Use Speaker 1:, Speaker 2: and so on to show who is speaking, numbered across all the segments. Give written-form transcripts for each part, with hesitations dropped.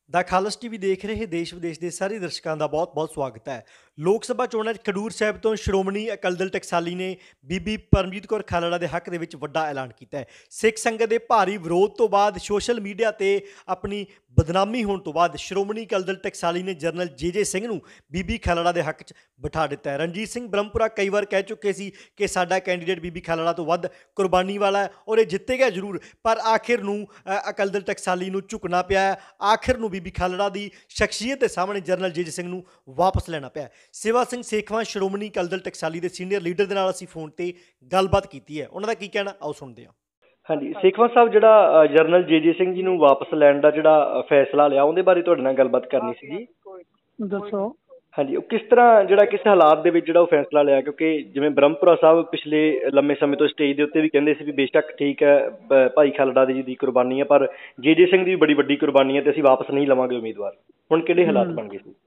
Speaker 1: ਦਾ ਖਾਲਸ TV ਦੇਖ ਰਹੇ ਦੇਸ਼ ਵਿਦੇਸ਼ ਦੇ ਸਾਰੇ ਦਰਸ਼ਕਾਂ ਦਾ ਬਹੁਤ-ਬਹੁਤ ਸਵਾਗਤ ਹੈ। ਲੋਕ ਸਭਾ ਚੋਣਾਂ 'ਚ ਖਡੂਰ ਸਾਹਿਬ ਤੋਂ ਸ਼੍ਰੋਮਣੀ ਅਕਾਲੀ ਦਲ ਟਕਸਾਲੀ ਨੇ ਬੀਬੀ ਪਰਮਜੀਤ ਕੌਰ ਖਾਲੜਾ ਦੇ ਹੱਕ ਦੇ ਵਿੱਚ ਵੱਡਾ ਐਲਾਨ ਕੀਤਾ ਹੈ। ਸਿੱਖ ਸੰਗਤ ਦੇ ਭਾਰੀ ਵਿਰੋਧ ਤੋਂ ਬਾਅਦ ਸੋਸ਼ਲ ਮੀਡੀਆ ਤੇ ਆਪਣੀ ਬਦਨਾਮੀ ਹੋਣ ਤੋਂ ਬਾਅਦ ਸ਼੍ਰੋਮਣੀ ਅਕਾਲੀ ਦਲ ਟਕਸਾਲੀ ਨੇ ਜਨਰਲ ਜੇ ਸਿੰਘ ਨੂੰ ਬੀਬੀ ਖਾਲੜਾ ਦੇ ਹੱਕ 'ਚ ਬਿਠਾ ਦਿੱਤਾ ਹੈ। ਰਣਜੀਤ ਸਿੰਘ ਬ੍ਰਹਮਪੁਰਾ ਕਈ ਵਾਰ ਕਹਿ ਚੁੱਕੇ ਸੀ ਕਿ ਸਾਡਾ ਕੈਂਡੀਡੇਟ ਬੀਬੀ ਖਾਲੜਾ ਤੋਂ ਵੱਧ ਕੁਰਬਾਨੀ ਵਾਲਾ ਹੈ ਔਰ ਇਹ ਜਿੱਤੇਗਾ ਜ਼ਰੂਰ, ਪਰ ਆਖਿਰ ਨੂੰ ਅਕਾਲੀ ਦਲ ਟਕਸਾਲੀ ਨੂੰ ਝੁਕਣਾ ਪਿਆ ਹੈ। ਆਖਿਰ ਨੂੰ ਬੀਬੀ ਖਾਲੜਾ ਦੀ ਸ਼ਖਸੀਅਤ ਦੇ ਸਾਹਮਣੇ ਜਨਰਲ ਜੇ ਸਿੰਘ ਨੂੰ ਵਾਪਸ ਲੈਣਾ ਪਿਆ। ਸੇਵਾ ਸਿੰਘ ਸੇਖਵਾਂ ਸ਼੍ਰੋਮਣੀ ਅਕਾਲੀ ਦਲ ਟਕਸਾਲੀ ਦੇ ਸੀਨੀਅਰ ਲੀਡਰ ਦੇ ਨਾਲ ਅਸੀਂ ਫੋਨ ਤੇ ਗੱਲਬਾਤ ਕੀਤੀ ਹੈ। ਉਹਨਾਂ ਦਾ ਕੀ ਕਹਿਣਾ ਆਓ ਸੁਣਦੇ ਹਾਂ।
Speaker 2: ਹਾਂਜੀ, ਸੇਖਵਾਂ ਸਾਹਿਬ, ਜਿਹੜਾ ਜਨਰਲ ਜੇ ਸਿੰਘ ਜੀ ਨੂੰ ਵਾਪਸ ਲੈਣ ਦਾ ਜਿਹੜਾ ਫੈਸਲਾ ਲਿਆ, ਉਹਦੇ ਬਾਰੇ ਤੁਹਾਡੇ ਨਾਲ ਗੱਲਬਾਤ ਕਰਨੀ ਸੀ ਜੀ।
Speaker 3: ਦੱਸੋ।
Speaker 2: ਹਾਂਜੀ, ਉਹ ਕਿਸ ਤਰ੍ਹਾਂ, ਜਿਹੜਾ ਕਿਸ ਹਾਲਾਤ ਦੇ ਵਿੱਚ ਜਿਹੜਾ ਉਹ ਫੈਸਲਾ ਲਿਆ, ਕਿਉਂਕਿ ਜਿਵੇਂ ਬ੍ਰਹਮਪੁਰਾ ਸਾਹਿਬ ਪਿਛਲੇ ਲੰਮੇ ਸਮੇਂ ਤੋਂ ਸਟੇਜ ਦੇ ਉੱਤੇ ਵੀ ਕਹਿੰਦੇ ਸੀ ਵੀ ਬੇਸ਼ੱਕ ਠੀਕ ਹੈ ਭਾਈ ਖਾਲੜਾ ਦੀ ਦੀ ਕੁਰਬਾਨੀ ਹੈ, ਪਰ ਜੇ ਸਿੰਘ ਦੀ ਵੀ ਬੜੀ ਵੱਡੀ ਕੁਰਬਾਨੀ ਹੈ ਤੇ ਅਸੀਂ ਵਾਪਸ ਨਹੀਂ ਲਵਾਂਗੇ ਉਮੀਦਵਾਰ। ਹੁਣ ਕਿਹੜੇ ਹਾਲਾਤ ਬਣ ਗਏ ਸੀ?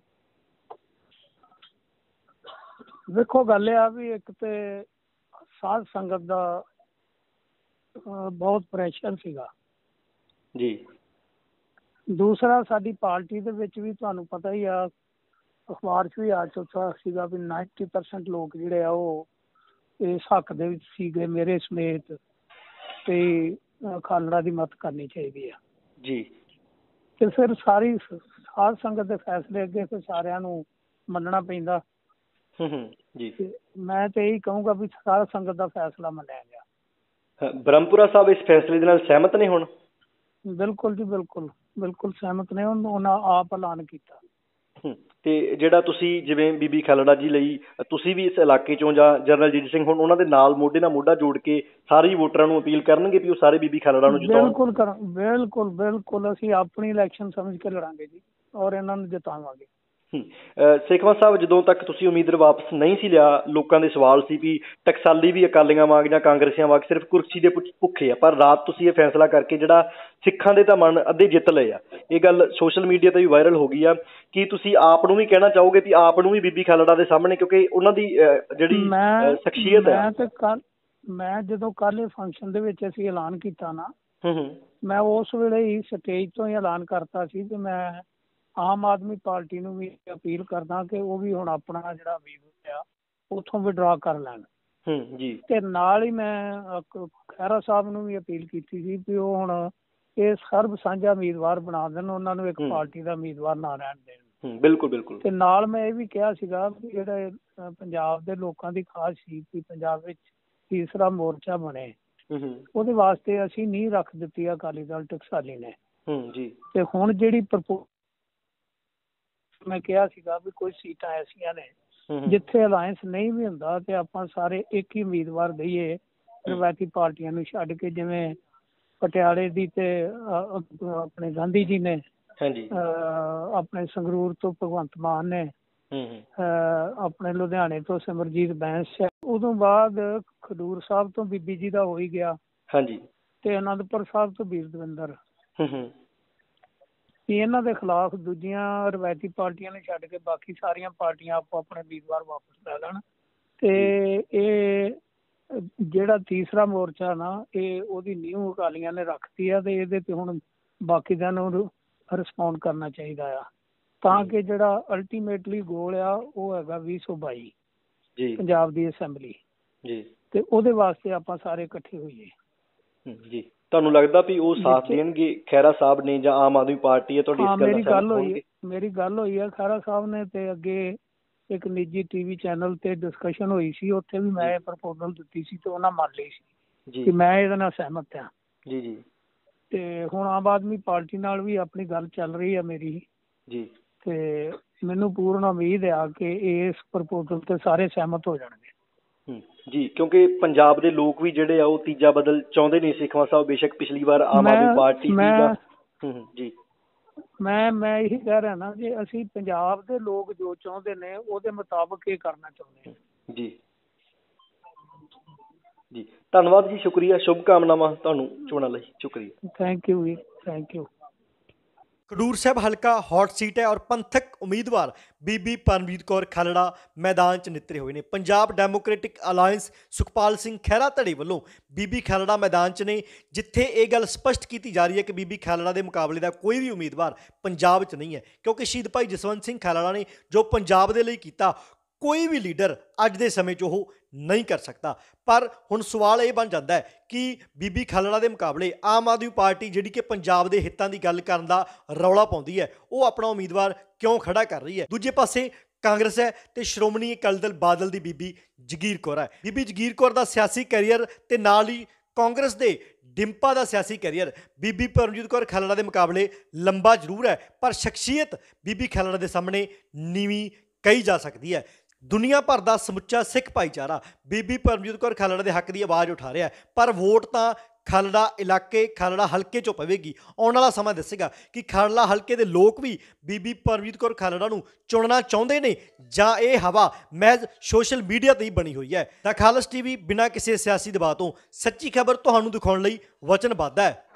Speaker 3: ਵੇਖੋ, ਗੱਲ ਇਹ ਆ ਵੀ ਇੱਕ ਤੇ ਸਾਧ ਸੰਗਤ ਦਾ ਬਹੁਤ ਪ੍ਰੈਸ਼ਰ ਸੀਗਾ
Speaker 2: ਜੀ।
Speaker 3: ਦੂਸਰਾ, ਸਾਡੀ ਪਾਰਟੀ ਦੇ ਵਿੱਚ ਵੀ ਤੁਹਾਨੂੰ ਪਤਾ ਹੀ ਆ, ਅਖਬਾਰ 'ਚ ਵੀ ਆ ਚੁੱਕਾ ਸੀਗਾ ਵੀ 90% ਲੋਕ ਜਿਹੜੇ ਆ ਉਹ ਇਸ ਹੱਕ ਦੇ ਵਿੱਚ ਸੀਗੇ ਮੇਰੇ ਸਮੇਤ, ਤੇ ਖਾਲੜਾ ਦੀ ਮਦਦ ਕਰਨੀ ਚਾਹੀਦੀ ਆ
Speaker 2: ਜੀ।
Speaker 3: ਤੇ ਫਿਰ ਸਾਰੀ ਸਾਧ ਸੰਗਤ ਦੇ ਫੈਸਲੇ ਅੱਗੇ ਫਿਰ ਸਾਰਿਆਂ ਨੂੰ ਮੰਨਣਾ ਪੈਂਦਾ।
Speaker 2: ਜੀ।
Speaker 3: ਮੈਂ ਤੇ ਇਹੀ ਕਹੂੰਗਾ ਵੀ ਸਾਧ ਸੰਗਤ ਦਾ ਫੈਸਲਾ ਮੰਨਿਆ ਗਿਆ।
Speaker 2: ਬ੍ਰਹਮਪੁਰਾ ਸਾਹਿਬ ਇਸ ਫੈਸਲੇ ਦੇ ਨਾਲ ਸਹਿਮਤ ਨੇ ਹੁਣ?
Speaker 3: ਬਿਲਕੁਲ ਜੀ, ਬਿਲਕੁਲ ਸਹਿਮਤ ਨੇ। ਉਹਨਾਂ ਆਪ ਐਲਾਨ ਕੀਤਾ।
Speaker 2: ਤੇ ਜਿਹੜਾ ਤੁਸੀਂ ਜਿਵੇਂ ਬੀਬੀ ਖਾਲੜਾ ਜੀ ਲਈ ਤੁਸੀਂ ਵੀ ਇਸ ਇਲਾਕੇ ਚੋਂ ਜਾਂ ਜਨਰਲ ਜੇ ਸਿੰਘ ਹੁਣ ਉਹਨਾਂ ਦੇ ਨਾਲ ਮੋਢੇ ਨਾਲ ਮੋਢਾ ਜੋੜ ਕੇ ਸਾਰੇ ਵੋਟਰਾਂ ਨੂੰ ਅਪੀਲ ਕਰਨਗੇ ਵੀ ਉਹ ਸਾਰੇ ਬੀਬੀ ਖਾਲੜਾ ਨੂੰ ਜਿਤਾਉਣ?
Speaker 3: ਬਿਲਕੁਲ ਅਸੀਂ ਆਪਣੀ ਇਲੈਕਸ਼ਨ ਸਮਝ ਕੇ ਲੜਾਂਗੇ ਜੀ, ਔਰ ਇਹਨਾਂ ਨੂੰ ਜਿਤਾਵਾਂਗੇ।
Speaker 2: ਸੇਖਵਾਂ ਸਾਹਿਬ, ਜਦੋਂ ਤੱਕ ਤੁਸੀਂ ਉਮੀਦਵਾਰ ਵਾਪਸ ਨਹੀਂ ਸੀ ਲਿਆ, ਲੋਕਾਂ ਦੇ ਸਵਾਲ ਸੀ ਵੀ ਟਕਸਾਲੀ ਵੀ ਅਕਾਲੀਆਂ ਵਾਂਗ ਜਾਂ ਕਾਂਗਰਸੀਆਂ ਵਾਂਗ ਸਿਰਫ ਕੁਰਸੀ ਦੇ ਭੁੱਖੇ ਆ, ਪਰ ਰਾਤ ਤੁਸੀਂ ਇਹ ਫੈਸਲਾ ਕਰਕੇ ਜਿਹੜਾ ਸਿੱਖਾਂ ਦੇ ਤਾਂ ਮਨ ਅੱਧੇ ਜਿੱਤ ਲਏ ਆ। ਇਹ ਗੱਲ ਸੋਸ਼ਲ ਮੀਡੀਆ ਤੇ ਵੀ ਵਾਇਰਲ ਹੋ ਗਈ ਆ। ਕੀ ਤੁਸੀਂ ਆਪ ਨੂੰ ਵੀ ਕਹਿਣਾ ਚਾਹੋਗੇ ਵੀ ਆਪ ਨੂੰ ਵੀ ਬੀਬੀ ਖਾਲੜਾ ਦੇ ਸਾਹਮਣੇ, ਕਿਉਂਕਿ ਉਹਨਾਂ ਦੀ ਜਿਹੜੀ ਸ਼ਖਸੀਅਤ ਹੈ।
Speaker 3: ਮੈਂ ਜਦੋਂ ਕੱਲ੍ਹ ਫੰਕਸ਼ਨ ਦੇ ਵਿੱਚ ਅਸੀਂ ਐਲਾਨ ਕੀਤਾ ਨਾ, ਮੈਂ ਉਸ ਵੇਲੇ ਹੀ ਸਟੇਜ ਤੋਂ ਹੀ ਐਲਾਨ ਕਰਤਾ ਸੀ ਕਿ ਮੈਂ ਆਮ ਆਦਮੀ ਪਾਰਟੀ ਨੂੰ ਵੀ ਅਪੀਲ ਕਰਦਾ ਕਿ ਉਹ ਵੀ ਹੁਣ ਆਪਣਾ ਜਿਹੜਾ ਉਮੀਦਵਾਰ ਆ ਉੱਥੋਂ ਵਿਡਰਾ ਕਰ ਲੈਣ। ਤੇ ਨਾਲ ਹੀ ਮੈਂ ਖਹਿਰਾ ਸਾਹਿਬ ਨੂੰ ਵੀ ਅਪੀਲ ਕੀਤੀ ਸੀ ਵੀ ਉਹ ਹੁਣ ਇਹ ਸਰਬ ਸਾਂਝਾ ਉਮੀਦਵਾਰ ਬਣਾ ਦੇਣ, ਉਹਨਾਂ ਨੂੰ ਇੱਕ ਪਾਰਟੀ ਦਾ ਉਮੀਦਵਾਰ ਨਾ ਰਹਿਣ ਦੇਣ।
Speaker 2: ਬਿਲਕੁਲ। ਤੇ
Speaker 3: ਨਾਲ ਮੈਂ ਇਹ ਵੀ ਕਿਹਾ ਸੀਗਾ ਵੀ ਜਿਹੜੇ ਪੰਜਾਬ ਦੇ ਲੋਕਾਂ ਦੀ ਖਾਸ ਸੀ ਕਿ ਪੰਜਾਬ ਵਿੱਚ ਤੀਸਰਾ ਮੋਰਚਾ ਬਣੇ, ਉਹਦੇ ਵਾਸਤੇ ਅਸੀਂ ਨੀਂਹ ਰੱਖ ਦਿੱਤੀ ਆ ਅਕਾਲੀ ਦਲ ਟਕਸਾਲੀ ਨੇ। ਤੇ ਹੁਣ ਜਿਹੜੀ ਮੈਂ ਕਿਹਾ ਸੀਗਾ ਵੀ ਕੁਝ ਸੀਟਾਂ ਐਸੀਆਂ ਨੇ ਜਿੱਥੇ ਅਲਾਇੰਸ ਨਹੀਂ ਵੀ ਹੁੰਦਾ ਤੇ ਆਪਾਂ ਸਾਰੇ ਇੱਕ ਹੀ ਉਮੀਦਵਾਰ ਦਈਏ ਰਵਾਇਤੀ ਪਾਰਟੀਆਂ ਨੂੰ ਛੱਡ ਕੇ, ਜਿਵੇਂ ਪਟਿਆਲੇ ਦੀ ਤੇ ਆਪਣੇ ਗਾਂਧੀ ਜੀ ਨੇ, ਆਪਣੇ ਸੰਗਰੂਰ ਤੋਂ ਭਗਵੰਤ ਮਾਨ ਨੇ, ਆਪਣੇ ਲੁਧਿਆਣੇ ਤੋਂ ਸਿਮਰਜੀਤ ਬੈਂਸ ਹੈ, ਉਦੋਂ ਬਾਅਦ ਖਡੂਰ ਸਾਹਿਬ ਤੋਂ ਬੀਬੀ ਜੀ ਦਾ ਹੋ ਹੀ ਗਿਆ, ਤੇ ਅਨੰਦਪੁਰ ਸਾਹਿਬ ਤੋਂ ਵੀਰ ਦਵਿੰਦਰ। ਇਹਨਾਂ ਦੇ ਖਿਲਾਫ ਦੂਜੀਆਂ ਰਵਾਇਤੀ ਪਾਰਟੀਆਂ ਨੇ ਛੱਡ ਕੇ ਬਾਕੀ ਸਾਰੀਆਂ ਪਾਰਟੀਆਂ ਆਪੋ ਆਪਣੇ ਉਮੀਦਵਾਰ ਵਾਪਸ ਲੈ ਲੈਣ। ਤੇ ਇਹ ਜਿਹੜਾ ਤੀਸਰਾ ਮੋਰਚਾ ਨਾ, ਇਹ ਉਹਦੀ ਨੀਂਹ ਅਕਾਲੀਆਂ ਨੇ ਰੱਖਤੀ ਆ ਤੇ ਇਹਦੇ ਤੇ ਹੁਣ ਬਾਕੀਆਂ ਨੂੰ ਰਿਸਪੌਂਡ ਕਰਨਾ ਚਾਹੀਦਾ ਆ, ਤਾਂ ਕਿ ਜਿਹੜਾ ਅਲਟੀਮੇਟਲੀ ਗੋਲ ਆ ਉਹ ਹੈਗਾ 2022 ਪੰਜਾਬ ਦੀ ਅਸੈਂਬਲੀ, ਤੇ ਉਹਦੇ ਵਾਸਤੇ ਆਪਾਂ ਸਾਰੇ ਇਕੱਠੇ ਹੋਈਏ।
Speaker 2: ਤੁਹਾਨੂੰ ਲੱਗਦਾ ਵੀ ਉਹ ਸਾਥ ਦੇਣਗੇ ਖਹਿਰਾ ਸਾਹਿਬ ਨੇ ਜਾਂ ਆਮ ਆਦਮੀ ਪਾਰਟੀ ਹੈ ਤੁਹਾਡੀ?
Speaker 3: ਮੇਰੀ ਗੱਲ ਹੋਈ ਹੈ ਖਹਿਰਾ ਸਾਹਿਬ ਨੇ, ਤੇ ਅੱਗੇ ਇੱਕ ਨਿੱਜੀ ਟੀਵੀ ਚੈਨਲ ਤੇ ਡਿਸਕਸ਼ਨ ਹੋਈ ਸੀ, ਉੱਥੇ ਵੀ ਮੈਂ ਪ੍ਰਪੋਜ਼ਲ ਦਿੱਤੀ ਸੀ ਤੇ ਉਹਨਾਂ ਮੰਨ ਲਈ ਸੀ ਕਿ ਮੈਂ ਇਹਦੇ ਨਾਲ ਸਹਿਮਤ ਹਾਂ। ਤੇ ਹੁਣ ਆਮ ਆਦਮੀ ਪਾਰਟੀ ਨਾਲ ਵੀ ਆਪਣੀ ਗੱਲ ਚੱਲ ਰਹੀ ਹੈ ਮੇਰੀ, ਤੇ ਮੈਨੂੰ ਪੂਰਨ ਉਮੀਦ ਆ ਕਿ ਇਸ ਪ੍ਰਪੋਜ਼ਲ ਤੇ ਸਾਰੇ ਸਹਿਮਤ ਹੋ ਜਾਣਗੇ।
Speaker 2: ਕਿਉਂਕਿ ਪੰਜਾਬ ਦੇ ਲੋਕ ਵੀ ਜਿਹੜੇ ਆ ਉਹ ਤੀਜਾ ਬਦਲ ਚਾਹੁੰਦੇ ਨੇ। ਸੇਖਵਾਂ ਸਾਹਿਬ, ਬੇਸ਼ੱਕ ਪਿਛਲੀ ਵਾਰ ਆਮ ਆਦਮੀ ਪਾਰਟੀ
Speaker 3: ਮੈਂ ਇਹੀ ਕਹਿ ਰਿਹਾ ਨਾ, ਜੇ ਅਸੀਂ ਪੰਜਾਬ ਦੇ ਲੋਕ ਜੋ ਚਾਹੁੰਦੇ ਨੇ ਉਹਦੇ ਮੁਤਾਬਕ ਇਹ ਕਰਨਾ ਚਾਹੁੰਦੇ ਹਾਂ।
Speaker 2: ਜੀ ਧੰਨਵਾਦ ਜੀ, ਸ਼ੁਕਰੀਆ, ਸ਼ੁਭ ਕਾਮਨਾਵਾਂ ਤੁਹਾਨੂੰ ਚੋਣਾਂ ਲਈ। ਸ਼ੁਕਰੀਆ।
Speaker 3: ਥੈਂਕ ਯੂ ਜੀ, ਥੈਂਕ ਯੂ।
Speaker 1: ਖਡੂਰ ਸਾਹਿਬ ਹਲਕਾ ਹੌਟ ਸੀਟ ਹੈ ਔਰ ਪੰਥਕ ਉਮੀਦਵਾਰ ਬੀਬੀ ਪਰਮਜੀਤ ਕੌਰ ਖਾਲੜਾ ਮੈਦਾਨ 'ਚ ਨਿੱਤਰੇ ਹੋਏ ਨੇ। ਪੰਜਾਬ ਡੈਮੋਕ੍ਰੈਟਿਕ ਅਲਾਇੰਸ ਸੁਖਪਾਲ ਸਿੰਘ ਖਹਿਰਾ ਧੜੇ ਵੱਲੋਂ ਬੀਬੀ ਖਾਲੜਾ ਮੈਦਾਨ 'ਚ ਨੇ, ਜਿੱਥੇ ਇਹ ਗੱਲ ਸਪਸ਼ਟ ਕੀਤੀ ਜਾ ਰਹੀ ਹੈ ਕਿ ਬੀਬੀ ਖਾਲੜਾ ਦੇ ਮੁਕਾਬਲੇ ਦਾ ਕੋਈ ਵੀ ਉਮੀਦਵਾਰ ਪੰਜਾਬ 'ਚ ਨਹੀਂ ਹੈ, ਕਿਉਂਕਿ ਸ਼ਹੀਦ ਭਾਈ ਜਸਵੰਤ ਸਿੰਘ ਖਾਲੜਾ ਨੇ ਜੋ ਪੰਜਾਬ ਦੇ ਲਈ ਕੀਤਾ ਕੋਈ ਵੀ ਲੀਡਰ ਅੱਜ ਦੇ ਸਮੇਂ 'ਚ ਉਹ ਨਹੀਂ ਕਰ ਸਕਦਾ। ਪਰ ਹੁਣ ਸਵਾਲ ਇਹ ਬਣ ਜਾਂਦਾ ਹੈ ਕਿ ਬੀਬੀ ਖਾਲੜਾ ਦੇ ਮੁਕਾਬਲੇ ਆਮ ਆਦਮੀ ਪਾਰਟੀ ਜਿਹੜੀ ਕਿ ਪੰਜਾਬ ਦੇ ਹਿੱਤਾਂ ਦੀ ਗੱਲ ਕਰਨ ਦਾ ਰੌਲਾ ਪਾਉਂਦੀ ਹੈ, ਉਹ ਆਪਣਾ ਉਮੀਦਵਾਰ ਕਿਉਂ ਖੜਾ ਕਰ ਰਹੀ ਹੈ। ਦੂਜੇ ਪਾਸੇ ਕਾਂਗਰਸ ਹੈ ਤੇ ਸ਼੍ਰੋਮਣੀ ਅਕਾਲੀ ਦਲ ਬਾਦਲ ਦੀ ਬੀਬੀ ਜਗੀਰ ਕੌਰ ਹੈ। ਬੀਬੀ ਜਗੀਰ ਕੌਰ ਦਾ ਸਿਆਸੀ ਕੈਰੀਅਰ ਤੇ ਨਾਲ ਹੀ ਕਾਂਗਰਸ ਦੇ ਡਿੰਪਾ ਦਾ ਸਿਆਸੀ ਕੈਰੀਅਰ ਬੀਬੀ ਪਰਮਜੀਤ ਕੌਰ ਖਾਲੜਾ ਦੇ ਮੁਕਾਬਲੇ ਲੰਬਾ ਜ਼ਰੂਰ ਹੈ, ਪਰ ਸ਼ਖਸੀਅਤ ਬੀਬੀ ਖਾਲੜਾ ਦੇ ਸਾਹਮਣੇ ਨੀਵੀਂ ਕਹੀ ਜਾ ਸਕਦੀ ਹੈ। ਦੁਨੀਆ ਭਰ ਦਾ ਸਮੁੱਚਾ ਸਿੱਖ ਭਾਈਚਾਰਾ ਬੀਬੀ ਪਰਮਜੀਤ ਕੌਰ ਖਾਲੜਾ ਦੇ ਹੱਕ ਦੀ ਆਵਾਜ਼ ਉਠਾ ਰਿਹਾ ਹੈ, ਪਰ ਵੋਟ ਤਾਂ ਖਾਲੜਾ ਇਲਾਕੇ ਖਾਲੜਾ ਹਲਕੇ 'ਚੋਂ ਪਵੇਗੀ। ਆਉਣ ਵਾਲਾ ਸਮਾਂ ਦੱਸੇਗਾ ਕਿ ਖਾਲੜਾ ਹਲਕੇ ਦੇ ਲੋਕ ਵੀ ਬੀਬੀ ਪਰਮਜੀਤ ਕੌਰ ਖਾਲੜਾ ਨੂੰ ਚੁਣਨਾ ਚਾਹੁੰਦੇ ਨੇ ਜਾਂ ਇਹ ਹਵਾ ਮਹਿਜ਼ ਸੋਸ਼ਲ ਮੀਡੀਆ ਤੇ ਹੀ ਬਣੀ ਹੋਈ ਹੈ। ਤਾਂ ਖਾਲਸ ਟੀਵੀ ਬਿਨਾਂ ਕਿਸੇ ਸਿਆਸੀ ਦਬਾਅ ਤੋਂ ਸੱਚੀ ਖਬਰ ਤੁਹਾਨੂੰ ਦਿਖਾਉਣ ਲਈ ਵਚਨਬੱਧ ਹੈ।